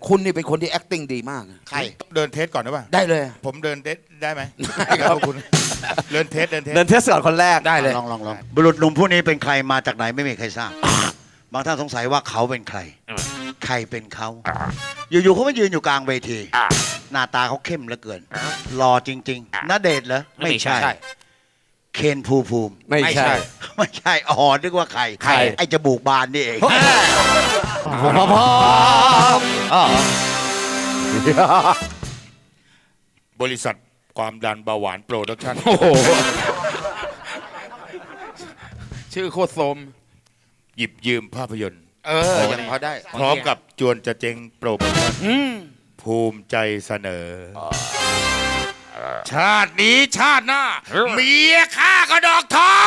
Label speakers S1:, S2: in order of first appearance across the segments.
S1: คุณนี่เป็นคนที่ acting ดีมาก
S2: ใครเดินเทสก่อนได้ป่ะ
S1: ได้เลย
S2: ผมเดินเทสได้ไหม
S1: ได้ครับ
S2: คุณเดินเทส
S3: ก่อนคนแรก
S1: ได้เลย
S2: ลอง
S4: บุรุษหนุ่มผู้นี้เป็นใครมาจากไหนไม่มีใครทราบบางท่านสงสัยว่าเขาเป็นใครใครเป็นเขาอยู่ๆเขามายืนอยู่กลางเวทีหน้าตาเขาเข้มเหลือเกินหล่อจริงๆณเดชน์เหรอไม่ใช่เคนภูมิ
S1: ไม่ใช่
S4: อ๋อนึกว่าใครไอ้จมูกบานนี่เอง
S2: บริษัทความดันเบาหวานโปรดักชั่น
S1: ชื่อโคตรโสม
S2: หยิบยืมภาพยนตร์
S1: ยังพอได้
S2: พร้อมกับจวนจะเจ๊งโปรโมชั่นภูมิใจเสนอชาตินี้ชาติหน้าเมียข้าก็ดอกทอง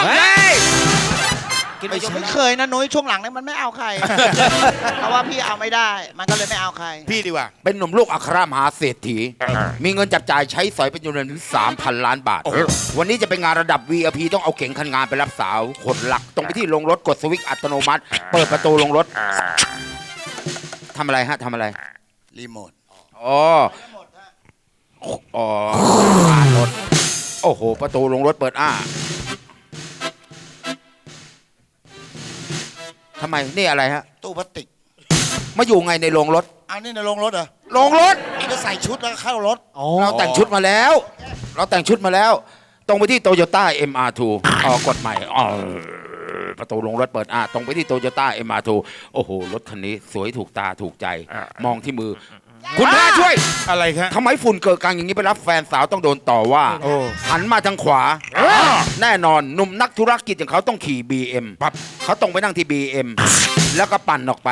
S4: ไม่เคยนะนุ้ยช่วงหลังเนี่ยมันไม่เอาใครเพราะว่าพี่เอาไม่ได้มันก็เลยไม่เอาใคร
S2: พี่ดีกว่า
S1: เป็นหนุ่มลูกอัครมหาเศรษฐีมีเงินจับจ่ายใช้สอยเป็นจำนวนถึง 3,000 ล้านบาทวันนี้จะเป็นงานระดับ VIP ต้องเอาเก๋งคันงานไปรับสาวคนหลักตรงไปที่ลงรถกดสวิตช์อัตโนมัติเปิดประตูลงรถทำอะไรฮะทำอะไร
S4: รีโมท
S1: อ๋อรถโอ้โหประตูลงรถเปิดทำไมนี่อะไรฮะ
S4: ตู้พลาสติก
S1: มาอยู่ไงในโรงรถ
S4: เอานี่ในโรงรถเหรอ
S1: โรงรถ
S4: นี่ก็ใส่ชุดแล้วเข้ารถ
S1: เราแต่งชุดมาแล้วตรงไปที่โตโยต้า MR2 กดใหม่ประตูลงรถเปิดตรงไปที่โตโยต้า MR2 โอ้โหรถคันนี้สวยถูกตาถูกใจมองที่มือคุณพระช่วย
S2: อะไรครับ
S1: ทำไมฝุ่นเกิดกลางอย่างนี้ไปรับแฟนสาวต้องโดนต่อว่าหันมาทางขวาแน่นอนหนุ่มนักธุรกิจอย่างเขาต้องขี่ BM ปั๊บเขาต้องไปนั่งที่ BM แล้วก็ปั่นออกไป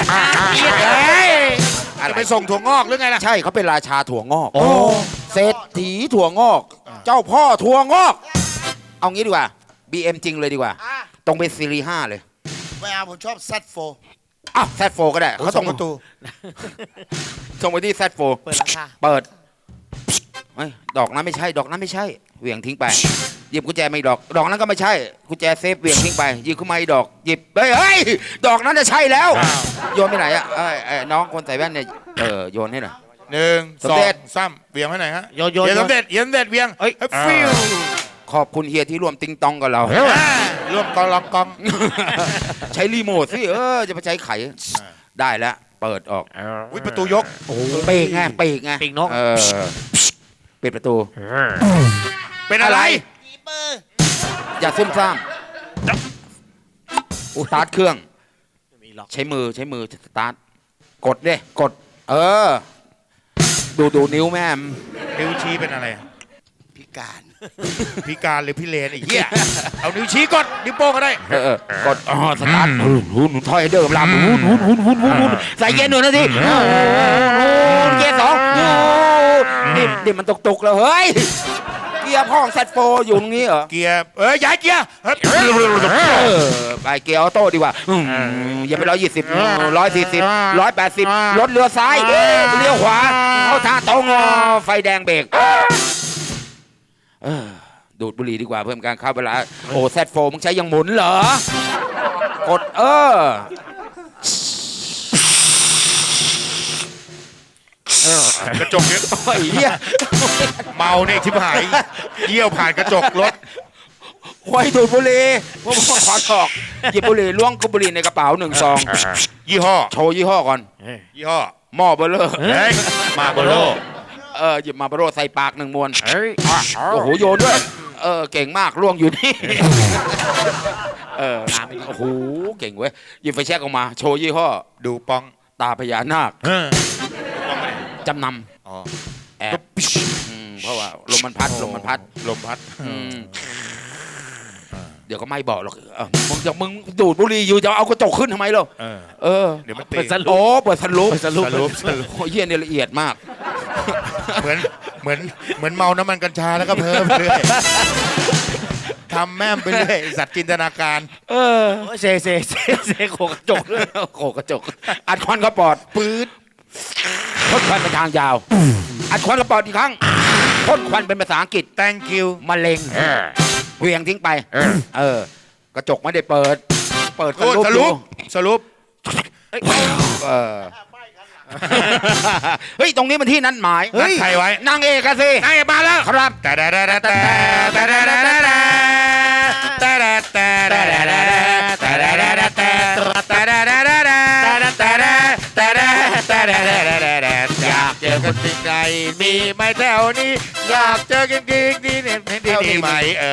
S2: จะไปส่งถั่วงอกหรือไงล่ะ
S1: ใช่เขาเป็นราชาถั่วงอกเศรษฐีถั่วงอกเจ้าพ่อถั่วงอกเอางี้ดีกว่า BM จริงเลยดีกว่าตรงเป็นซีรีส์5เลย
S4: ไม่เอาผมชอบ Z4
S1: Z4 ก็ได้เขาส่งประตูส่งไปที่ Z4
S3: เปิดราคา
S1: เปิดดอกนั้นไม่ใช่เหวี่ยงทิ้งไปหยิบกุญแจไม่ดอกนั้นก็ไม่ใช่กุญแจเซฟเหวี่ยงทิ้งไปหยิบขึ้นมาอีกดอกหยิบเฮ้ยดอกนั้นจะใช่แล้วโยนไปไหนอ่ะน้องคนใส่แว่นเนี่ยโยนให้หน่อย
S2: 1 2 3เวียงให้ไหนฮะโยนสมเด็จเวียงฟิว
S1: ขอบคุณเฮียที่ร่วมติงตองกับเรา
S2: ร่วมกอง
S1: ใช้รีโมทสิจะไปใช้ไขได้แล้วเปิดออก
S2: ประตูยก
S1: ปีกไงปีกนกปิดประตู
S2: เป็นอะไร
S1: อย่าซุ่มซ่ามสตาร์ทเครื่องใช้มือสตาร์ทกดดิกดดูนิ้วแม่
S2: นิ้วชี้เป็นอะไร
S4: พิการ
S2: หรือพี่เลนไอ้เหี้ยเอานิ้วชี้กดนิ้วโป้งก็ได้
S1: กดสตาร์ทถอยเดิมลำใส่เกียร์1 นาทีเกียร์2นี่มันตกแล้วเฮ้ยเกียร์พ่อของ Z4 อยู่ตรงนี้เหรอ
S2: เกียร์ย้ายเกียร์
S1: ไปเกียร์ออโต้ดีกว่าอย่าไป120 140 180รถเลี้ยวซ้ายเลี้ยวขวาเข้าทางตรงไฟแดงเบรกดูดบุหรี่ดีกว่าเพิ่มการเข้าเวลาZ4 มึงใช้ยังหมุนเหรอกด
S2: กระจกเนี่ยเมาเนี่ยชิบหายเยี่ยวผ่านกระจกรถ
S1: ไว้ดูดบุหรี่พวกขอถอกหยิบบุหรี่ล้วงบุหรี่ในกระเป๋า1 ซอง
S2: ยี่ห้อ
S1: โชว์ยี่ห้อก่อน
S2: ยี่ห้อ
S1: หม้อเบลเลอร์
S2: มาโบโล
S1: หยิบมาโบโลใส่ปาก1 มวนโอ้โหโยนด้วยเก่งมากล่วงอยู่นี่โอ้โหเก่งเว้ยหยิบไฟแช็กออกมาโชว์ยี่ห้อ
S2: ดูปอง
S1: ตาพญานาคจำนำแอบเพราะว่าลมมันพัดเดี๋ยวก็ไม่บอกหรอกมึงดูดบุหรี่อยู่จะเอากระจกขึ้นทำไมล่ะ
S2: เดี๋ยวมัน
S1: เปิดสรุปเยี่ยเนี่ยละเอียดมาก
S2: เหมือนเมาน้ำมันกัญชาแล้วก็เพิ่มเรื่อยทำแม่มไปเรื่อยสัตว์จินตนาการ
S1: เซโขกระจกด้วยโขกระจกอัดควันกระปอดปื๊ดพ่นควันเป็นทางยาวอัดควันกระปอดอีกครั้งพ่นควันเป็นภาษาอังกฤษ
S2: thank you
S1: มะเร็งเวียงทิ้งไปกระจกไม่ได้เปิด
S2: สรุป
S1: เฮ้ยตรงนี้มันที่นัดหมาย
S2: นัดใครไว้
S1: นางเอกอะสิ
S2: นายมาแล้ว
S1: ครับ
S2: แต่อยากเจอคนจริงใจมีไหมแถวนี้อยากเจอจริงจริงนี่นี่ไหม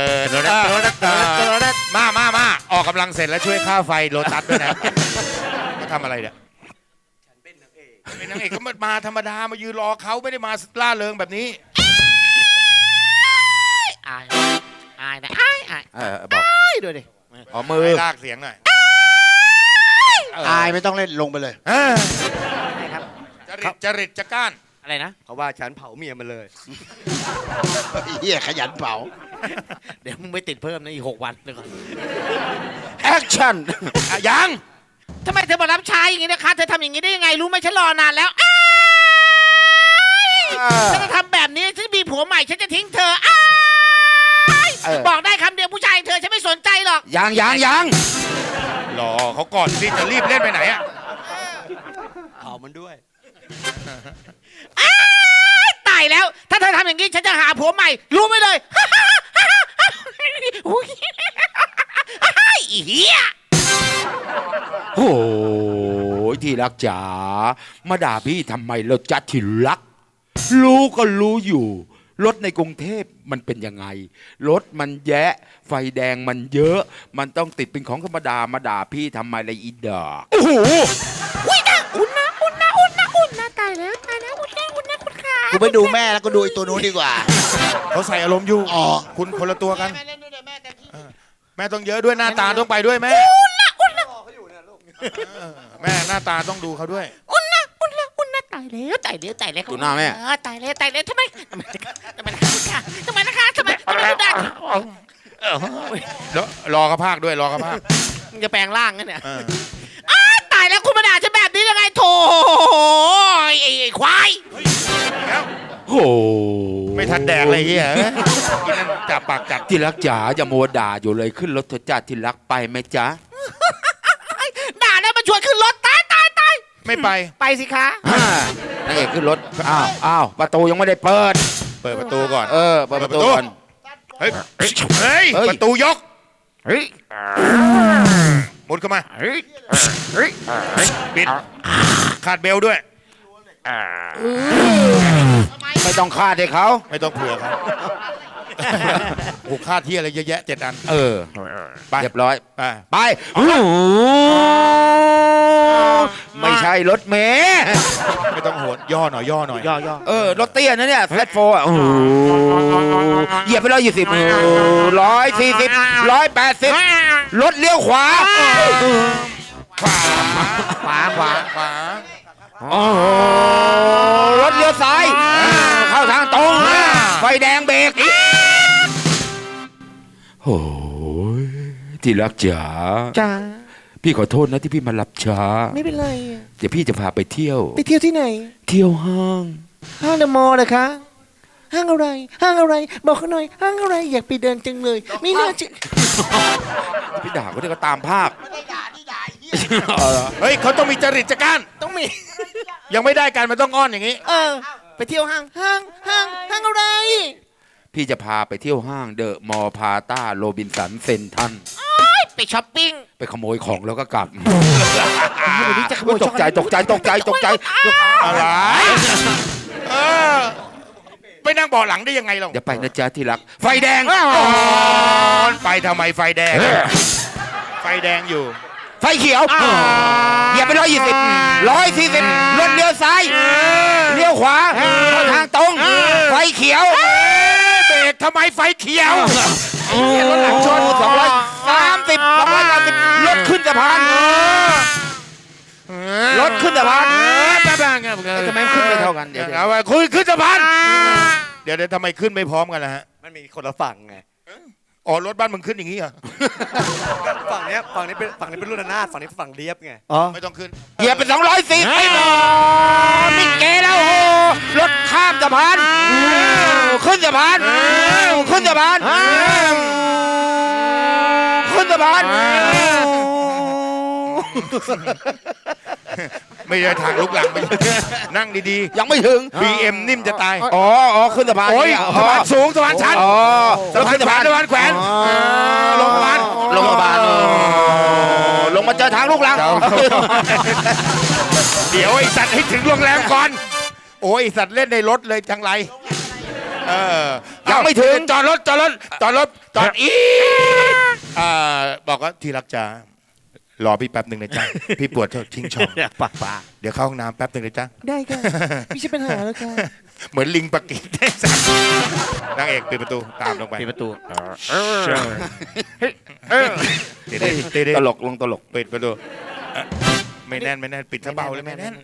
S2: มาออกกำลังเสร็จแล้วช่วยค่าไฟโลตัสด้วยนะทำอะไรเนี่ยเป็นนางเอกก็มาธรรมดามายืนรอเขาไม่ได้มาล่าเริงแบบนี้
S3: อายนะอาย
S1: บอก
S3: ด้วยดิ
S1: อ๋อมือ
S2: ให้ลากเสียงหน่อย
S4: อายไม่ต้องเล่นลงไปเลย
S3: ครับ
S2: จริตจะก้าน
S3: อะไรนะ
S5: เขาว่าฉันเผาเมียมันเลย
S4: เฮียขยันเผา
S3: เดี๋ยวมึงไม่ติดเพิ่มนะอีก6 วันเดี๋ยวก่อน
S1: แอคชั่น
S2: ยัง
S3: ทำไมเธอมารับใช้อย่างนี้นะคะเธอทำอย่างนี้ได้ยังไงรู้ไหมฉันรอนานแล้วฉันจะทำแบบนี้ฉันมีผัวใหม่ฉันจะทิ้งเธอบอกได้คำเดียวผู้ชายเธอฉันไม่สนใจหรอก
S1: ยัง
S2: รอเขาก่อนที่จะรีบเล่นไปไหนอะ
S5: เผามันด้วย
S3: ตายแล้ว ถ้าเธอทำอย่างนี้ฉันจะหาผัวใหม่ รู้ไหมเลยอุ๊ยอีเหี้ย
S1: โอ้ยที่รักจ๋ามาด่าพี่ทำไมเราจัดที่รัก รู้ก็รู้อยู่ รถในกรุงเทพมันเป็นยังไง รถมันแยะ ไฟแดงมันเยอะ มันต้องติดเป็นของธรรมดามาด่าพี่ทำไมละอีดอกโอ้โห
S3: อุ้ยนะอุ่นนะตายแล้วอุ่นนะคุณขา
S4: กูไปดูแม่แล้วก็ดูไอ้ตัวนู้นดีกว่า
S2: เขาใส่อารมณ์อยู่
S4: อ๋อ
S2: คุณคนละตัวกัน
S3: แม่เล่นด้วยแม่แต่ที่
S2: แม่ต้องเยอะด้วยหน้าตาต้องไปด้วยไหมแม่หน้าตาต้องดูเขาด้วย
S3: อุ่นนะตายแล้ว
S1: ดูหน้าแม่
S3: ตายแล้วทำไมนะคะทำไมดูดัง
S2: รอเขาพากด้วยรอเขาพาก
S3: มึงจะแปลงร่างกันเนี่ย
S2: เออ
S3: ตายแล้วคุณมาด่าฉันแบบนี้ยังไงโถไอ้ควาย
S2: แล้ว
S1: โอ้
S2: ไม่ทันแดกเลยเฮียกินนั่นจับปากจัด
S1: ที่รักจ๋าอย่ามัวด่าอยู่เลยขึ้นรถเถอะจ้าที่รักไปไหมจ๊ะ
S3: ด่าแล้วมาชวนขึ้นรถตาย
S2: ไม่ไป
S3: ไปสิคะ
S1: นางเอกขึ้นรถอ้าวประตูยังไม่ได้เปิด
S2: เปิดประตูก่อน
S1: เปิดประตูก่อน
S2: เฮ้ย
S1: เฮ้ย
S2: ประตูยก
S1: เฮ้ย
S2: มุดเข้ามา
S1: เฮ้ย
S2: ปิดคาดเบลด้วย
S1: ไม่ต้องคาดให้เขา
S2: ไม่ต้องเผื่อเขาโอ้คาดที่อะไรเยอะแยะ7 อัน ไป
S1: เรียบร้อย
S2: ไป
S1: ไปไม่ใช่รถเมย์
S2: ไม่ต้องโหดย่อหน่อยย่อ
S1: รถเตี้ยนะเนี่ยแฟตโฟร์เหยียบไป120 140 180รถเลี้ยวขวา
S2: ขวา
S1: รถเลี้ยวซ้ายเข้าทางตรงไฟแดงเบรกโอ้ยที่รักจ๋า
S3: จ้า
S1: พี่ขอโทษนะที่พี่มารับช้า
S3: ไม่เป็นไร
S1: เดี๋ยวพี่จะพาไปเที่ยว
S3: ไปเที่ยวที่ไหน
S1: เที่ยวห้าง
S3: ห้างเดอะมอลล์เหรอคะห้างอะไร บอกเขาหน่อยห้างอะไรอยากไปเดินจังเลยไม่น่าจะ
S1: พี่ด่าเขาเดี๋ยวก็ตามภาพ
S2: เฮ้ยเขาต้องมีจริตจักราน
S3: ต้องมี
S2: ยังไม่ได้กันมันต้องอ้อนอย่างนี้
S3: ไปเที่ยวห้างอะไร
S1: พี่จะพาไปเที่ยวห้างเดอะมอลล์พาต้าโรบินสันเซนทัน
S3: ไปช้อปปิ้ง
S1: ไปขโมยของแล้วก็กลับ
S3: วันนี้จะขโมย
S1: ตกใจ
S2: อะไรเออไปนั่งเบาะหลังได้ยังไงเรา
S1: อย่าไปนะจ๊ะที่รัก ไฟแดง
S2: ไปทำไมไฟแดง ไฟแดงอยู่
S1: ไฟเขียวอย่าไป140รถเลี้ยวซ้ายเลี้ยวขวาเข้าทางตรง ไฟเขียว
S2: เบรกทำไมไฟเขียว
S1: รถหลังชน230รถขึ้นสะพานรถขึ้นสะพานทำไมขึ้นไม่เท่ากันเดี๋ยว
S2: เอาไว้คุยขึ้นสะพานเดี๋ยวทำไมขึ้นไม่พร้อมกันล่ะฮะ
S5: มันมีคนละฝั่งไง
S2: อ๋อรถบ้านมึงขึ้นอย่างนี้เหรอ
S5: ฝั่งนี้เป็นรุ่นอนาถฝั่งนี้เป็นฝั่งเรียบไง
S2: ไม่ต้องขึ้น
S1: เหยียบไป210ไม่พอมิเกแล้วโอ้รถข้ามสะพานขึ้นสะพานขึ้นสะพานขึ้นสะพาน
S2: ไม่ได้ทางลุกหลังไปนั่งดี
S1: ยังไม่ถึง
S2: ๆ BM นิ่มจะตาย
S1: อ๋อขึ้นสะพาน
S2: โอ้ย
S1: เนี่ย
S2: สะพานสูงสะพานชัน
S1: อ๋อ
S2: สะพานแขวนสะพานแขวน
S1: อ๋อ
S2: ลงมา
S1: ลงมาบานลงมาเจอทางลูกหลัง
S2: เดี๋ยวไอสัตว์ให้ถึงโรงแรมก่อน โอ้ยไอ้สัตว์เล่นในรถเลยจังไร
S1: ยังไม่ถึง
S2: จอดรถอีบอกว่าที่รักจ๋ารอพี่แป๊บหนึ่งนะจ๊ะ พี่ปวดทิ้งช่อง
S3: ป่า
S2: เดี๋ยวเข้าห้องน้ำแป๊บหนึ่งนะจ๊ะ
S3: ได้ค่ะไม่ใช่ปัญหาแล้วค่ะ
S2: เหมือนลิงปะกิดได้สัตว์นางเอกปิดประตูตามลงไป
S3: ปิดประตู
S2: เตะ
S1: ตลกลงตลก
S2: ปิดประตูไม่แน่นปิดซะเบาเลยไม่แน่น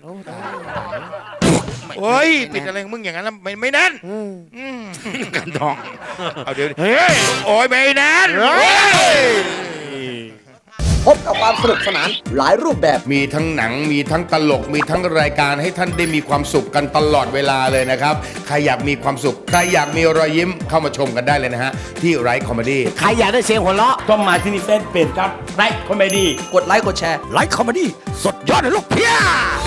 S2: โอ้ยปิดอะไรของมึงอย่างนั้นแล้วไม่แน่น
S1: กันทอง
S2: เอาเดี๋ยวโอ้ยไม่แน่น
S6: พบกับความสนุกสนานหลายรูปแบบ
S7: มีทั้งหนังมีทั้งตลกมีทั้งรายการให้ท่านได้มีความสุขกันตลอดเวลาเลยนะครับใครอยากมีความสุขใครอยากมีรอยยิ้มเข้ามาชมกันได้เลยนะฮะที่ไรคอมเมดี้
S3: ใครอยากได้เสียงหัวเราะ
S8: ต้องมาที่นี่เฟซเพจครับไลค์คอมเมดี้
S6: กดไลค์กดแชร์
S8: ไลค์คอมเมดี้สดยอดเลยลูกเพีย